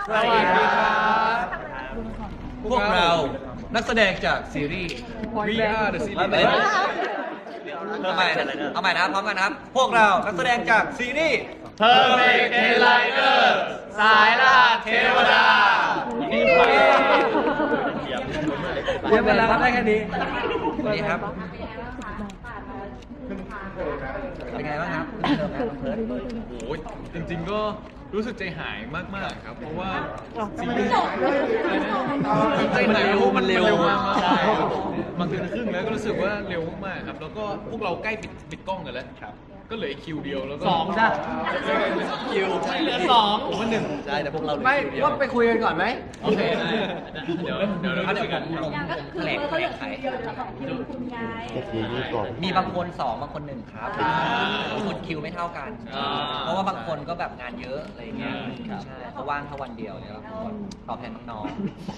สวัสดีครับ พวกเรานักแสดงจากซีรีส์ We Are the Series เอาใหม่นะครับพร้อมกันนะครับ พวกเรานักแสดงจากซีรีส์ Perfect Enlighter สายล่าเทวดาเยี่ยมไปแล้วครับได้แค่นี้สวัสดีครับ เป็นไงบ้างครับเริ่มแล้วเพิร์ดโอ้ยจริงๆก็รู้สึกใจหายมากๆครับ เพราะว่าซีรีส์ใจหายมันเร็วมากใช่บางเดือนครึ่งแล้วก็รู้สึกว่าเร็วมากๆครับ แล้วก็พวกเราใกล้ปิดกล้องกันแล้วก็เหลือคิวเดียวแล้วก็ 2จ้ะคิวเหลือ2ผมว่า1 ใช่แต่พวกเราไม่ว่าไปคุยกันก่อนไหมโอเคเดี๋ยวเราคุยกันแถลงไข มีบางคน2บางคน1ครับบางคนคิวไม่เท่ากัน เพราะว่าบางคนก็แบบงานเยอะอะไรเงี้ยใช่เขาว่างแค่วันเดียวเนี่ยตอบแทนน้อง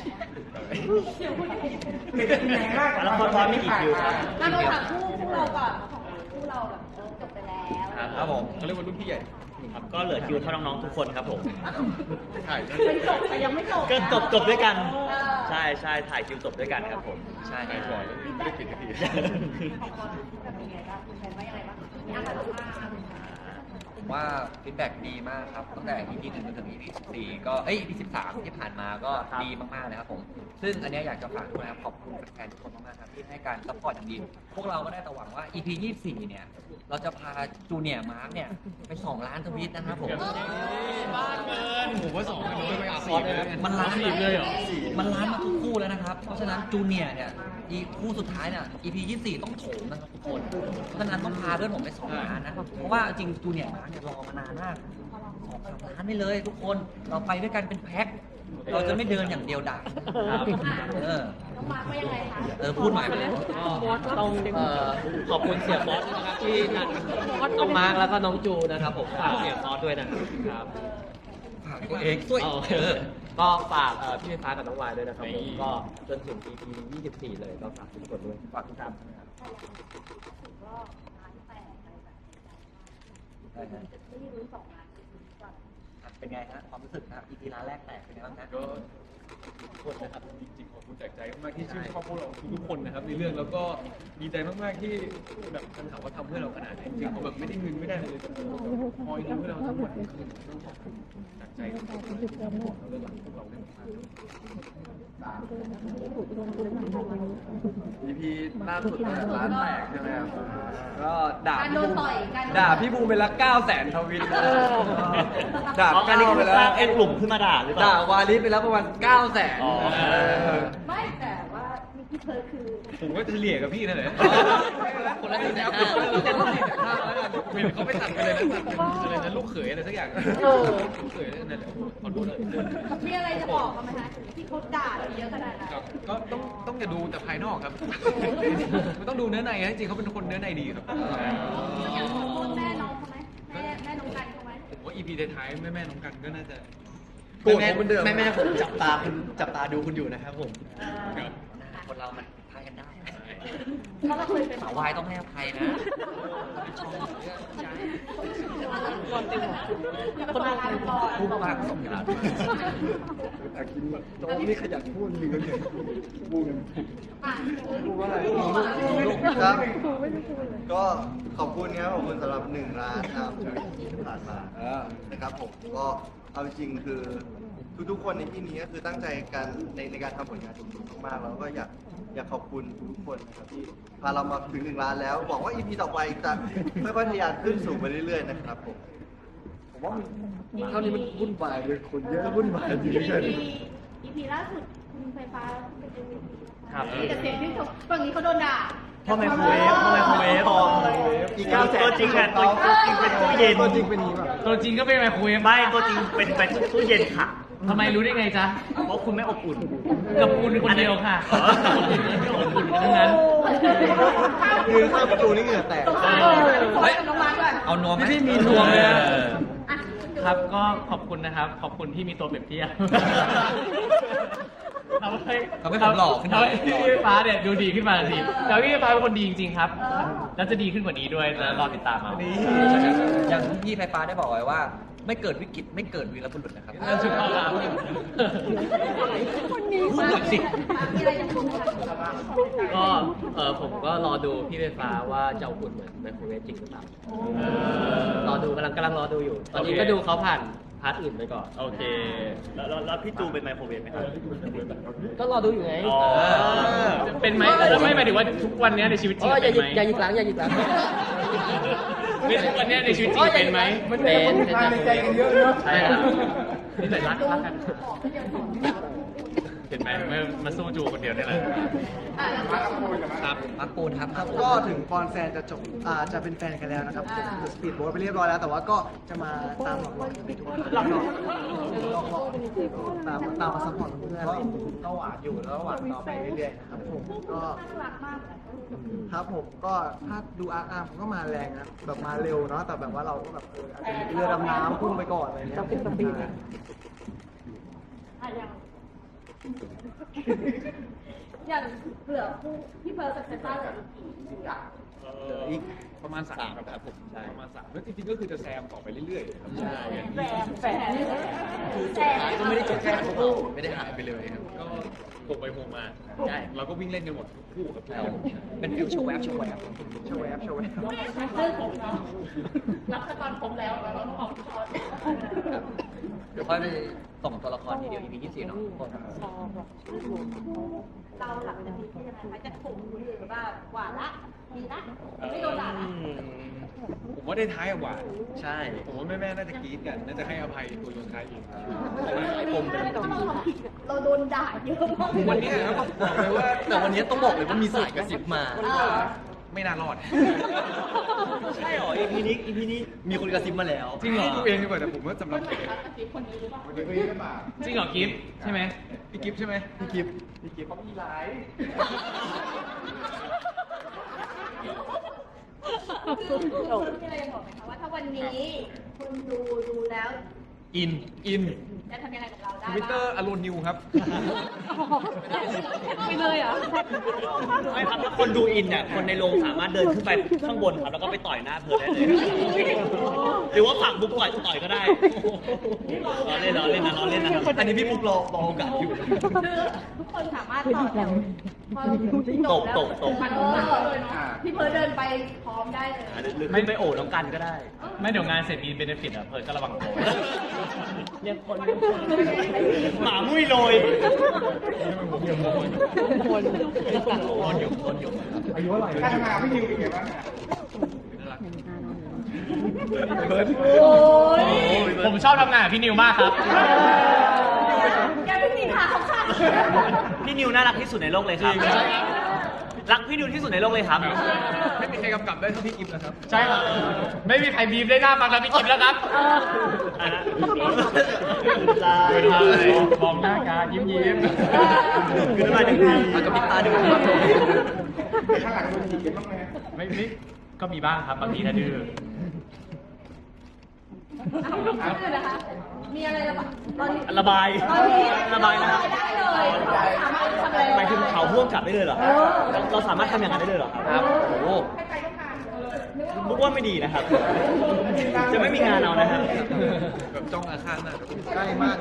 แล้วคนพร้อมมีกี่คิวครับมาเราถามคู่เราก่อนคู่เราแบบจบไปแล้วๆครับผมเขาเรียกว่ารุ่นพี่ใหญ่ครับก็เหลือคิวเท่าน้องๆทุกคนครับผมถ่ายมันจบแต่ยังไม่จบก็จบด้วยกัน ใช่ใช่ถ่ายคิวจบด้วยกันครับผมใช่ถ่ายก่อนแล้วไม่ได้ปิดสักทีแบบเป็นไงบ้างคุณแทนว่ายังไงบ้างมีอาการออกมาผมว่าฟีดแบ็กดีมากครับตั้งแต่ EP 1จนถึง EP 14ก็EP 13ที่ผ่านมาก็ดีมากๆเลยครับผม ซึ่งอันเนี้ยอยากจะฝากด้วยนะครับขอบคุณแฟนๆทุกคนมากๆครับที่ให้การซัพพอร์ตอย่างดี พวกเราก็ได้แต่หวังว่า EP 24เนี่ยเราจะพาจูเนียร์มาร์กเนี่ยไป2 ล้านทวีตนะครับผมบ้านเกินผมว่า2กันน้อยไป4เลยมันล้าน 10เลยเหรอมันล้านมาทุกคู่แล้วนะครับ เพราะฉะนั้นจูเนียร์เนี่ยอีคู่สุดท้ายเนี่ย EP 24ต้องโถมนะครับทุกคน เพราะฉะนั้นต้องพาเพื่อนผมไป2 ล้านนะครับเพราะว่าจริงจูเนียร์มาร์กเนี่ยรอมานานมาก2-3 ล้านไปเลยทุกคนเราไปด้วยกันเป็นแพ็คเราจะไม่เดินอย่างเดียวดายน้องมาร์คว่ายังไงคะพูดหน่อยต้องขอบคุณเสียบอสนะครับที่นัดน้องมาร์คแล้วก็น้องจูนะครับผมฝากเสียบอสด้วยนะครับฝากตัวเองด้วยก็ฝากพี่ไฟฟ้ากับน้องวายด้วยนะครับผมก็จนถึง EP 24 เลยก็ฝากทุกคนด้วยฝากทุกท่านก็ล้าน8อะไรแบบนี้ไม่รู้2 ล้านก่อนเป็นไงฮะความรู้สึกนะครับ EP ล้านแรกแตกเป็นไงบ้างฮะก็ทุกคนนะครับจริงๆขอบคุณจากใจมากๆที่ชื่นชอบพวกเราทุกๆคนนะครับในเรื่องแล้วก็ดีใจมากๆที่แบบคำถามว่าทำเพื่อเราขนาดไหนจริงๆเขาแบบไม่ได้เงินไม่ได้เลยแต่คอยดูให้เราทั้งวันทั้งคืนต้องขอบคุณจากใจทุกคนที่ทำให้เราเรื่องหลังพวกเราได้มา EP ล่าสุดร้านแตกใช่ไหมครับก็ด่าการโดนต่อยการด่าพี่บูมไปละ900,000 ทวิตด่าอ๋อการก้านี้วคืไปอแล้วสร้างกลุ่มขึ้นมาด่าหรือเปล่าด่าวาลิสไปแล้วประมาณ900,000 อ๋อไม่แต่ว่ามีที่เธอคือผมก็เฉลี่ยกับพี่นั่นแหละคนละ1.5 เราจะต้อง4.5แล้วกันเห็นเขาไปตัดกันเลยนะตัดเป็นอะไรนะลูกเขยอะไรสักอย่างลูกเขยนั่นแหละขอโทษเลยมีอะไรจะบอกกันไหมคะที่เขาด่าเราเยอะขนาดนั้นครับก็ต้องอย่าดูแต่ภายนอกครับไม่ต้องดูเนื้อในนะจริงๆเขาเป็นคนเนื้อในดีครับอยากขอโทษแม่น้องเขาไหมแม่น้องกันเขาไหมผมว่า EP ท้ายๆแม่ๆน้องกันก็น่าจะแม่ผมจับตาดูคุณอยู่นะครับผมครับคนเรามันพายกันได้เพราะเราเคยเป็นสาววายต้องให้อภัยนะคนละกันก่อนพูดมากสมการน้องนี่ขยันพูดจริงๆเลยพูดพูดว่าอะไรครับก็ขอบคุณครับขอบคุณสำหรับ1 ล้านครับที่ผ่านมานะครับผมก็เอาจริงๆคือทุกๆคนในที่นี้ก็คือตั้งใจกันในการทำผลงานสุดๆมากๆแล้วก็อยากขอบคุณทุกคนนะครับที่พาเรามาถึง1 ล้านแล้วหวังว่า EP ต่อไปจะค่อยๆทะยานขึ้นสูงไปเรื่อยๆนะครับผมผมว่าเท่านี้มันวุ่นวายเลยคนเยอะวุ่นวายจริงๆ EP ล่าสุดคุณไฟฟ้าเป็น MVP ครับมีแต่เสียงที่ชมฝั่งนี้เขาโดนด่าพ่อไมโครเวฟอีกตัวจริงอ่ะตัวจริงเป็นตู้เย็นตัวจริงเป็นอย่างนี้ป่ะตัวจริงก็เป็นไมโครเวฟไม่ตัวจริงเป็นตู้เย็นค่ะทำไมรู้ได้ไงจ๊ะเพราะคุณไม่อบอุ่นกับคุณคนเดียวค่ะอ๋ออบอุ่นทั้งนั้นคือเข้าประตูนี่เหงื่อแตกเฮ้ยน้องมาร์คด้วยเอานวมไหมพี่มีนวมเลยนะอ่ะครับก็ขอบคุณนะครับ ขอบคุณที่มีตัวเปรียบเทียบทำให้ทำให้ผมหล่อขึ้นหน่อยทำให้พี่ฟ้าเนี่ยดูดีขึ้นมาทันทีแต่พี่ฟ้าเป็นคนดีจริงๆครับ แล้วจะดีขึ้นกว่านี้ด้วยจะรอติดตามเอาอย่างที่พี่ไฟฟ้าได้บอกไว้ว่าไม่เกิดวิกฤตไม่เกิดวีรบุรุษนะครับสุดยอดครับพูดหน่อยสิมีอะไรจะพูดไหมคะก็ผมก็รอดูพี่ไฟฟ้าว่าจะเอาอุ่นเหมือนไมโครเวฟจริงหรือเปล่ารอดูกำลังรอดูอยู่ ตอนนี้ก็ดูเขาผ่านพาร์ทอื่นไปก่อนโอเค แล้วพี่จูเป็นไมโครเวฟไหมครับก็รอดูอยู่ไงอ๋อเป็นไหมแล้วไม่หมายถึงว่าทุกวันเนี้ยในชีวิตจริอ๋งออย่าเป็นไหมอย่าหยิกหลังอย่าหยิกหลังในทุกวันเนี้ยในชีวิตจริงเป็นไหมเป็นในใจกันเยอะเนาะใช่ครับนี่แต่รักกันเห็นไหมมาสู้จูคนเดียวนี่แหละครับมักปูนครับครับก็ถึงฟอนแฟนจะจบจะเป็นแฟนกันแล้วนะครับสปีดโบ๊ทไปเรียบร้อยแล้ว แต่ว่าก็จะมาตามหลอกๆกันไปทุกครั้งตามมาซัพพอร์ตเพื่อนก็หวานอยู่แล้วหวานต่อไปเรื่อยๆนะครับผมก็น่ารักมากเลยครับผมก็ถ้าดูอาร์ผมก็มาแรงนะแบบมาเร็วเนาะแต่แบบว่าเราก็แบบอาจจะมีเรือดำน้ำพุ่งไปก่อนอะไรเงี้ยเป็นสปีดอย่างเหลือคู่พี่เพิร์ลกับเซนต้าเหลืออีกกี่อีกประมาณ3ครับผมใช่ประมาณ3แล้วจริงๆก็คือจะแซมต่อไปเรื่อยๆครับใช่แฝดคือสุดท้ายก็ไม่ได้จบแค่คู่ไม่ได้หายไปเลยครับก็โผล่ไปโผล่มาใช่เราก็วิ่งเล่นกันหมดทุกคู่ครับแล้วเป็นฟิวโชว์แวบโชว์แวบโชว์แอปรับตอนผมแล้วเราต้องออกช็อตเดี๋ยวค่อยไปส่งตัวละครทีเดียว EP ที่4เนาะทุกคนเราหลังจากนี้คือยังไงคะจะถูกหรือว่าหวานละดีละไม่โดนด่าละผมว่าได้ท้ายอะหวานใช่ผมว่าแม่ๆน่าจะกรี๊ดกัน น่าจะให้อภัยตัวโยนท้ายเองเราโดนด่าเยอะมากวันนี้ครับบอกเลยว่าแต่วันนี้ต้องบอกเลยว่ามีสายกระซิบมาไม่น่ารอดใช่หรอ EP นี้มีคนกระซิบมาแล้วจริงเหรอตัวเองดีกว่าแต่ผมว่าสำหรับผมจริงเหรอกิฟต์ใช่ไหมพี่กิฟต์ใช่ไหมพี่กิฟต์เขามีไลฟ์คุณมีอะไรจะบอกไหมคะว่าถ้าวันนี้คุณดูแล้วอินจะทำยังไงกับเราได้ทวิตเตอบ้างร์อโลนิวครับไปเลยเหรอไม่ครับถ้าคนดูอินเนี่ยคนในโรงสามารถเดินขึ้นไปข้างบนครับแล้วก็ไปต่อยหน้าเพิร์ลได้เลยหรือว่าฝากบุ๊กต่อยก็ได้ล้อเล่นนะครับอันนี้พี่ปุ๊กรอโอกาสอยู่คือทุกคนสามารถต่อแถวพอจบแล้วตกมันพี่เพิร์ดเดินไปพร้อมได้เลยหรือขึ้นไปโอบน้องกันก็ได้ไม่เดี๋ยวงานเสร็จมีเบนฟิตอ่ะเพิร์ดก็ระวังตัวเรียกคนหมามุ้ยโรยอายุเท่าไหร่โอ้ยผมชอบทำงานกับพี่นิวมากครับแกเพิ่งมีขาของข้าพี่นิวน่ารักที่สุดในโลกเลยครับ รักพี่นิวที่สุดในโลกเลยครับไม่มีใครกำกับได้เท่าพี่กิฟต์นะครับใช่ครับ ไม่มีใครบีบได้หน้าฟังแล้วพี่กิฟต์แล้วครับมองหน้ากันยิ้มยิ้มคืออะไรดีมันก็มีตาดูไม่ก็มีบ้างครับบางทีถ้าดื้อนะคะมีอะไรระบายตอนนี้ระบายตอนนี้ระบายนะครับได้เลยสามารถทำอะไรหมายถึงเขาพ่วงกลับได้เลยเหรอครับเราสามารถทำอย่างนั้นได้เลยเหรอครับโอ้โหบุ๊กว่าไม่ดีนะครับ จะไม่มีงานเอานะครับแบบจ้องอาฆาตมากใกล้มาก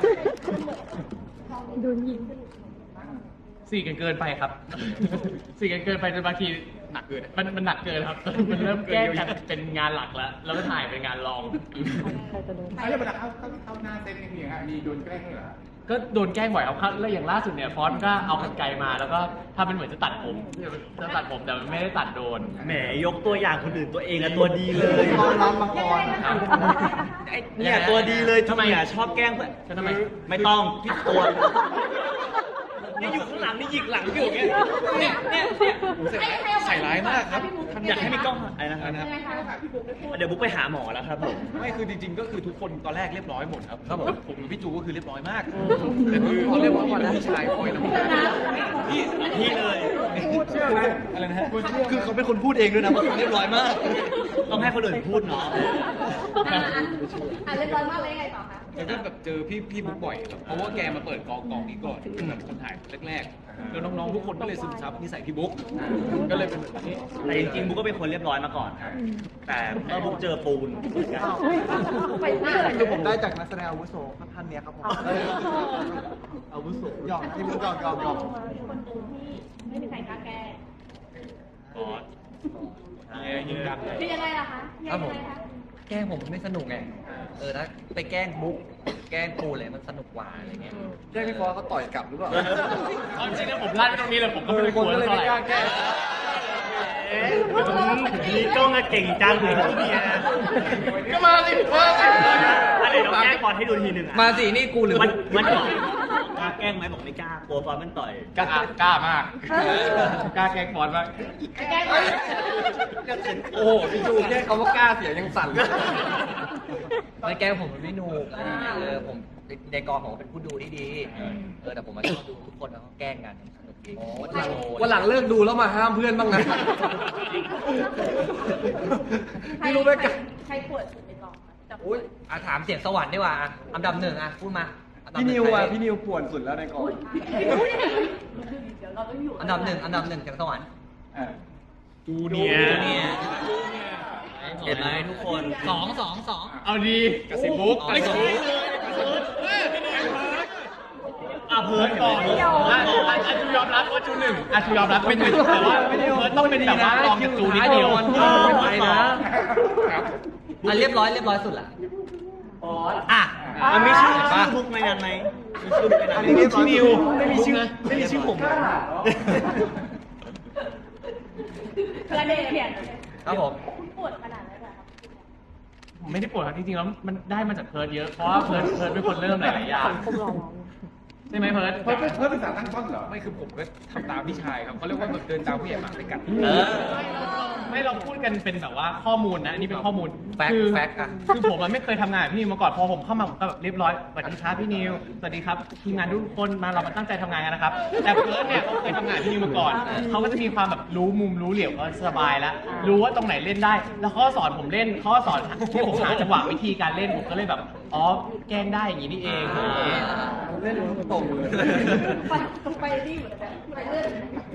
สี่กันเกินไปครับ สี่กันเกินไปจนบางทีหนักเกินมันหนักเกินครับ มันเริ่มแกล้งกันเป็นงานหลักแล้ว แล้วก็ถ่ายเป็นงานรองแล้วเวลาเข้าหน้าเซตนี่มีมีโดนแกล้งด้วยเหรอก็โดนแกล้งบ่อยครับแล้วอย่างล่าสุดเนี่ยฟอนต์ก็เอากรรไกรมาแล้วก็ทำเป็นเหมือนจะตัดผมแต่มันไม่ได้ตัดโดนแหมยกตัวอย่างคนอื่นตัวเองอะตัวดีเลยตอนรับมังกรครับไอ้เนี่ยตัวดีเลยทำไมชอบแกล้งเพื่อนทำไมไม่ต้องพี่ตัวนี่อยู่ข้างหลังนี่หยิกหลังอยู่อย่างเงี้ยเนี่ยใส่ร้ายมากครับอยากให้มีกล้องอะไรนะครับยังไงคะเดี๋ยวบุ๊กไปหาหมอแล้วครับผมไม่คือจริงๆ ก็คือทุกคนตอนแรกเรียบร้อยหมดครับผมกับพี่จูก็คือเรียบร้อยมาก แต่คือเขาเรียกว่าผู้ชายคอยน้ำตาพี่เลยเชื่อไหมอะไรนะฮะคือเขาเป็นคนพูดเองด้วยนะว่าเขาเรียบร้อยมากต้องให้คนอื่นพูดเนาะเรียบร้อยมากเลยไงต่อคะแล้วก็แบบเจอพี่บุ๊กบ่อยครับเพราะว่าแกมาเปิดกองนี้ก่อนเป็นแบบคนถ่ายแรกๆแล้วน้องๆทุกคนก็เลยซึมซับนิสัยพี่บุ๊กก็เลยเป็นแบบนี้แต่จริงริงๆบุ๊กก็เป็นคนเรียบร้อยมาก่อนครับแต่เมื่อบุ๊กเจอปูนไปหน้าคือผมได้จากนักแสดงอาวุโสท่านเนี้ยครับผมอาวุโสหยอกที่มุกหยอกคนดูที่ไม่มีใครกล้าแก้บอสยิงดังเลยคือยังไงล่ะคะยังไงคะแกล้งผมมันไม่สนุกไงถ้าไปแกล้งบุ๊กแกล้งปูเลยมันสนุกกว่าอะไรเงี้ยแจ้งพี่ฟอสเขาต่อยกลับหรือเปล่าเอาจริงๆนะผมลั่นไปตรงนี้เลยผมก็ไม่ได้กลัวก็เลยเท่าไม่ไหร่กล้าแก้นี่กล้องอะเก่งจังเลยที่เนี่ยก็มาสิมาสิอะไรเราแกล้งบอลให้ดูทีหนึ่งอะมาสินี่กูหรือมันบอกกล้าแกล้งไหมบอกไม่กล้ากลัวฟอสมันต่อยกล้ามากกล้าแกล้งบอลมากแก้ไหมโอ้โหพี่ดูแค่คำว่ากล้าเสียยังสั่นเลยไม่แกล้งผมมันไม่หนูกผมในกองผมเป็นผู้ดูที่ดีแต่ผมมาชอบดูทุกคนแล้วเขาแกล้งกันสนุกดีวันหลังเลิกดูแล้วมาห้ามเพื่อนบ้างนะไม่รู้ไหมกันใครปวดสุดในกองคะอุ้ยถามเสียงสวรรค์ดีกว่าอันดับหนึ่งพูดมาพี่นิวพี่นิวป่วนสุดแล้วในกองเดี๋ยวเราต้องอยู่อันดับหนึ่งเสียงสวรรค์จูเนียร์เห็นไหมทุกคนสองเอาดีกระสิบบุ๊กไม่ใช่เพิร์ดก่อนชูยอมรับว่าจูหนึ่งชูยอมรับเป็นหนึ่งแต่ว่าเพิร์ดต้องเป็นแบบว่าลองจูนิดเดียวไม่ไหวนะเรียบร้อยสุดละมันมีชื่อบุ๊กในนั้นไหมมีชื่อบุ๊กในนั้นพี่นิวไม่มีชื่อไม่มีชื่อผมประเด็นเปลี่ยนครับผมคุณปวดขนาดนั้นเหรอครับผมไม่ได้ปวดครับจริงๆแล้วมันได้มาจากเพิร์ดเยอะเพราะว่าเพิร์ดเป็นคนเริ่มหลายๆอย่างใช่ไหมเพิร์ดเพิ่มเป็นสารตั้งต้นเหรอไม่คือผมก็ทำตามพี่ชายครับเขาเรียกว่าแบบเดินตามผู้ใหญ่หมากไปกัดไม่เราพูดกันเป็นแบบว่าข้อมูลนะอันนี้เป็นข้อมูลแฟกต์คือแฟกต์อะคือผมไม่เคยทำงานกับพี่นิวมาก่อนพอผมเข้ามาผมก็แบบเรียบร้อยสวัสดีครับพี่นิวสวัสดีครับทีมงานทุกคนมาเรามาตั้งใจทำงานกันนะครับแต่เพิร์ดเนี่ยเขาเคยทำงานกับพี่นิวมาก่อนเขาก็จะมีความแบบรู้มุมรู้เหลี่ยมก็สบายแล้วรู้ว่าตรงไหนเล่นได้ แล้วเขาก็สอนผมเล่นเขาก็สอนที่ผมหาจังหวะวิธีการเล่นผมก็เลยแบบอ๋อแกล้งได้อย่างนี้นี่เองเล่นลูกตรงเลยไปนี่เหมือนกันไปเรื่อย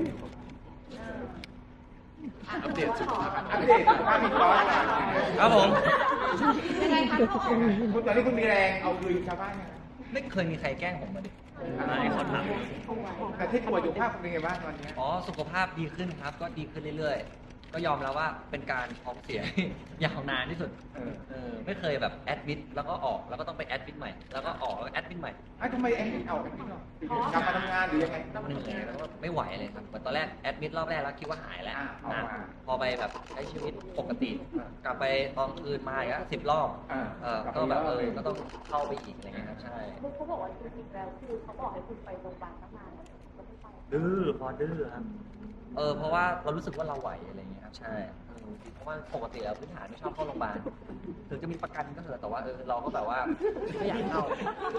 อัปเดตสุขภาพอัปเดตสุขภาพอีกร้อยครับผมยังไงคะทุกคนคุณตอนนี้คุณมีแรงเอาคืนชาวบ้านยังไม่เคยมีใครแกล้งผมมาดิไม่เขาถามแต่ที่ป่วยสุขภาพคุณเป็นไงบ้างตอนนี้สุขภาพดีขึ้นครับก็ดีขึ้นเรื่อยๆก็ยอมแล้วว่าเป็นการท้องเสีย ยาวนานที่สุดไม่เคยแบบแอดมิดแล้วก็ออกแล้วก็ต้องไปแอดมิดใหม่แล้วก็ออกแล้วก็แอดมิดใหม่ทำไมแอนนี่เอาแอนนี่กลับมาทำงานหรือยังไงเหนื่อยแล้วก็ไม่ไหวเลยครับเหมือนตอนแรกแอดมิดรอบแรกแล้วคิดว่าหายแล้วเอามาพอไปแบบใช้ชีวิตปกติ กลับไปตอนคืนมาอีก10 รอบก็แบบก็ต้องเข้าไปอีกอะไรเงี้ยครับใช่เขาบอกว่าจริงๆแล้วคือเขาบอกให้คุณไปโรงพยาบาลตั้งนานแล้วก็ไม่ไปดื้อพอดื้อครับเพราะว่าเรารู้สึกว่าเราไหวอะไรเงี้ยครับใช่เพราะว่าปกติแล้วพื้นฐานไม่ชอบเข้าโรงพยาบาลถึงจะมีประกันก็เถอะแต่ว่าเราก็แบบว่าไม่อยากเข้า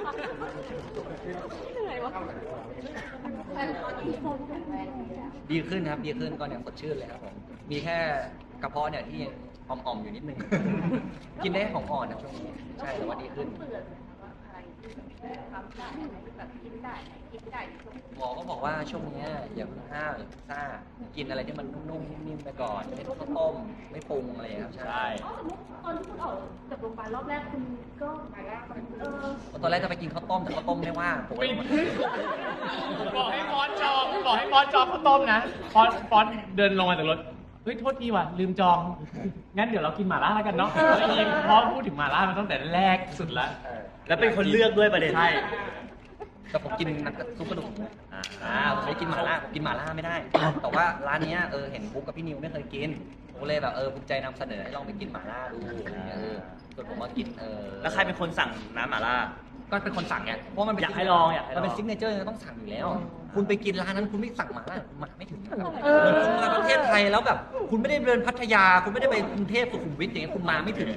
แต่ตอนนี้โฟนแข็งแรงดีแล้วดีขึ้นครับดีขึ้นก็เนี่ยสดชื่นเลยครับผมมีแค่กระเพาะเนี่ยที่ยังอ่อมๆอยู่นิดนึง กินได้ของอ่อนนะช่วงนี้ใช่แต่ว่าดีขึ้นเบื่อเลยนะว่าอะไรที่ทำได้แบบกินได้กินได้ช่วงหมอก็บอกว่าช่วงเนี้ยอย่าเพิ่งห้าวอย่าเพิ่งซ่ากินอะไรที่มันนุ่มๆนิ่มๆไปก่อนเป็นข้าวต้มไม่ปรุงอะไรอย่างเงี้ยครับใช่ตอนที่คุณออกจากโรงพยาบาลรอบแรกคุณก็ตอนแรกจะไปกินข้าวต้มแต่ข้าวต้มไม่ว่างผมก็เลยบอกให้ฟอนจองข้าวต้มนะฟอนเดินลงมาจากรถเฮ้ยโทษทีว่ะลืมจองงั้นเดี๋ยวเรากินหม่าล่าแล้วกันเนาะเพราะพูดถึงหม่าล่ามาตั้งแต่แรกสุดละแล้วเป็นคนเลือกด้วยประเด็นใช่แต่ผมกินซุปกระดูกหมูผมไม่กินหม่าล่าผมกินหม่าล่าไม่ได้ แต่ว่าร้านเนี้ยเห็นบุ๊กกับพี่นิวไม่เคยกินผมเลยแบบภูมิใจนำเสนอให้ลองไปกินหม่าล่าดูอะไรเงี้ยส่วนผมมากินแล้วใครเป็นคนสั่งน้ำหม่าล่าก็เป็นคนสั่งไงเพราะมันเป็นอยากให้ลองอยากให้ลองมันเป็นซิกเนเจอร์ต้องสั่งอยู่แล้ว คุณไปกินร้านนั้นคุณไม่สั่งหม่าล่ามาไม่ถึงนะครับคุณมาประเทศไทยแล้วแบบคุณไม่ได้เดินพัทยาคุณไม่ได้ไปกรุงเทพสุขุมวิทอย่างเงี้ยคุณมาไม่ถึง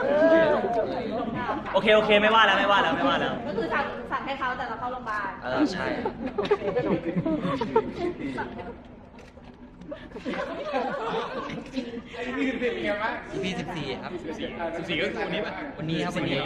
โอเคไม่ว่าแล้วก็คือสั่งให้เขาแต่เราเข้าโรงพยาบาลใช่นี่คือเป็นไงบ้าง EP 14 ครับ 14ก็คือวันนี้ป่ะวันนี้ครับวันนี้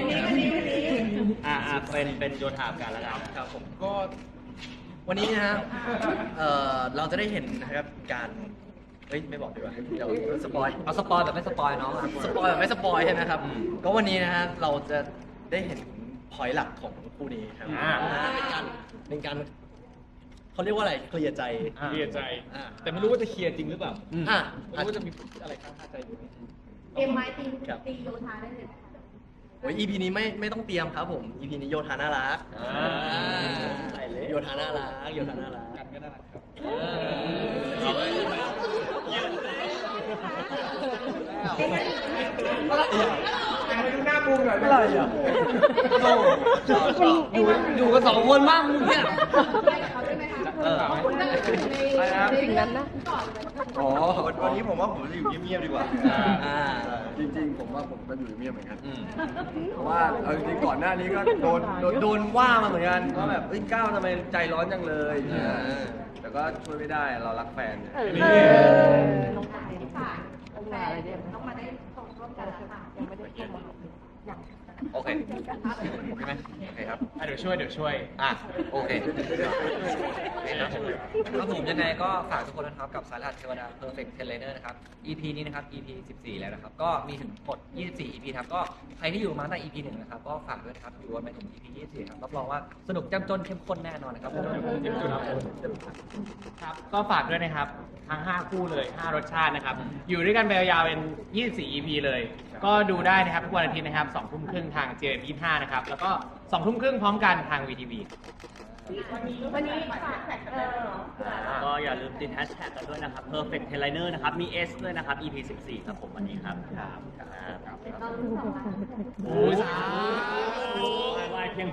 เป็นโยธาการแล้วกันครับผมก็วันนี้นะครับเราจะได้เห็นนะครับการเฮ้ยไม่บอกดีกว่าเดี๋ยวสปอยเอาสปอยแบบไม่สปอยน้องอะสปอยแบบไม่สปอยใช่ไหมครับ ก็วันนี้นะฮะเราจะได้เห็นพอยต์หลักของคู่นี้ครับเป็นการเขาเรียกว่าอะไรเคลียร์ใจเคลียร์ใจอ่าแต่ไม่รู้ว่าจะเคลียร์จริงหรือเปล่าอ่ะไม่รู้ว่าจะมีอะไรข้างคาใจอยู่ไหมเตรียมไม้ตีโยธาได้เลยโอ้ย EP นี้ไม่ต้องเตรียมครับผม EP นี้โยธาน่ารักโยธาน่ารักโยธาน่ารักกันก็น่ารักครับไปดูหน้าบูมหน่อยอะไรอ่ะอยู่กัน2 คนมากมึงเนี่ยไปกับเขาได้ไหมคะในสิ่งนั้นนะก่อนเลยอ๋อวันนี้ผมว่าผมจะอยู่เงียบๆดีกว่าจริงๆผมว่าผมก็อยู่เงียบเหมือนกันเพราะว่าเอาจริงๆก่อนหน้านี้ก็โดนว่ามาเหมือนกันว่าแบบเอ้ยก้าวทำไมใจร้อนจังเลยแต่ก็ช่วยไม่ได้เรารักแฟนลงมาที่ฝ่ายแฟนต้องมาได้ส่งร่วมกันแล้วค่ะยังไม่ได้เข้ามาโอเคใช่ไหมโอเคครับเดี๋ยวช่วยอ่ะโอเคครับผมยังไงก็ฝากทุกคนนะครับกับสายรหัสเทวดา Perfect Trainer นะครับ EP นี้นะครับ EP 14 แล้วนะครับ ก็มีถึงหมด24 EP ครับก็ใครที่อยู่มาตั้งแต่ EP 1นะครับก็ฝากด้วยนะครับอยู่กันไปถึง EP 24ครับรับรองว่าสนุกจ้ำจนเข้มข้นแน่นอนนะครับผมครับก็ฝากด้วยนะครับทั้ง5คู่เลย5รสชาตินะครับอยู่ด้วยกันไปยาวๆเป็น24 EP เลย ก็ดูได้นะครับทุกวันอาทิตย์นะครับ2 ทุ่มครึ่งทาง JM25 นะครับแล้วก็2 ทุ่มครึ่งพร้อมกันทาง VTV วันนี้ฝากก็อย่าลืมติดแฮชแท็กกันด้วยนะครับ perfect trainer นะครับ มี S ด้วยนะครับ EP 14 ครับผมวันนี้ครับเราลุ้น2 ล้านโอ้ยไหวเพียง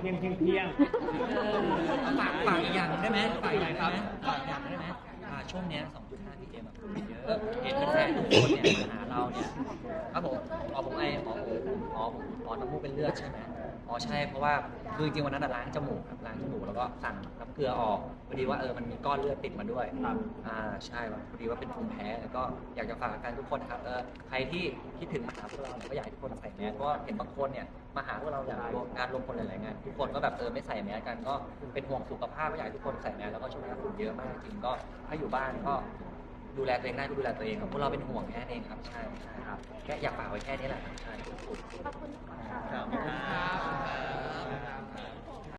ฝากอีกอย่างได้ไหมฝากอีกอย่างได้ไหมฝากอีกอย่างได้ไหมช่วงเนี้ย 2.5 PM คนเยอะเห็นแฟนๆทุกคนเนี่ยมาหาเราเนี่ยครับผมผมน้ำมูกเป็นเลือดใช่ไหมใช่เพราะว่าคือจริงๆวันนั้นล้างจมูกครับล้างจมูกแล้วก็สั่งน้ำเกลือออกพอดีว่ามันมีก้อนเลือดติดมาด้วยครับใช่พอดีว่าเป็นภูมิแพ้แล้วก็อยากจะฝากกันทุกคนนะครับใครที่คิดถึงมาหาพวกเราเนี่ยก็อยากให้ทุกคนใส่แมสเพราะเห็นบางคนเนี่ยมาหาพวกเราอย่างงานรวมคนหลายๆงานทุกคนก็แบบไม่ใส่แมสกันก็เป็นห่วงสุขภาพก็อยากให้ทุกคนใส่แมสแล้วก็ช่วงนี้ฝุ่นเยอะมากจริงก็ถ้าอยู่บ้านก็ดูแลตัวเองได้ก็ดูแลตัวเองครับพวกเราเป็นห่วงแค่นั้นเองครับใช่ครับแค่อยากฝากไว้แค่นี้แหละครับใช่ขอบคุณค่ะครับ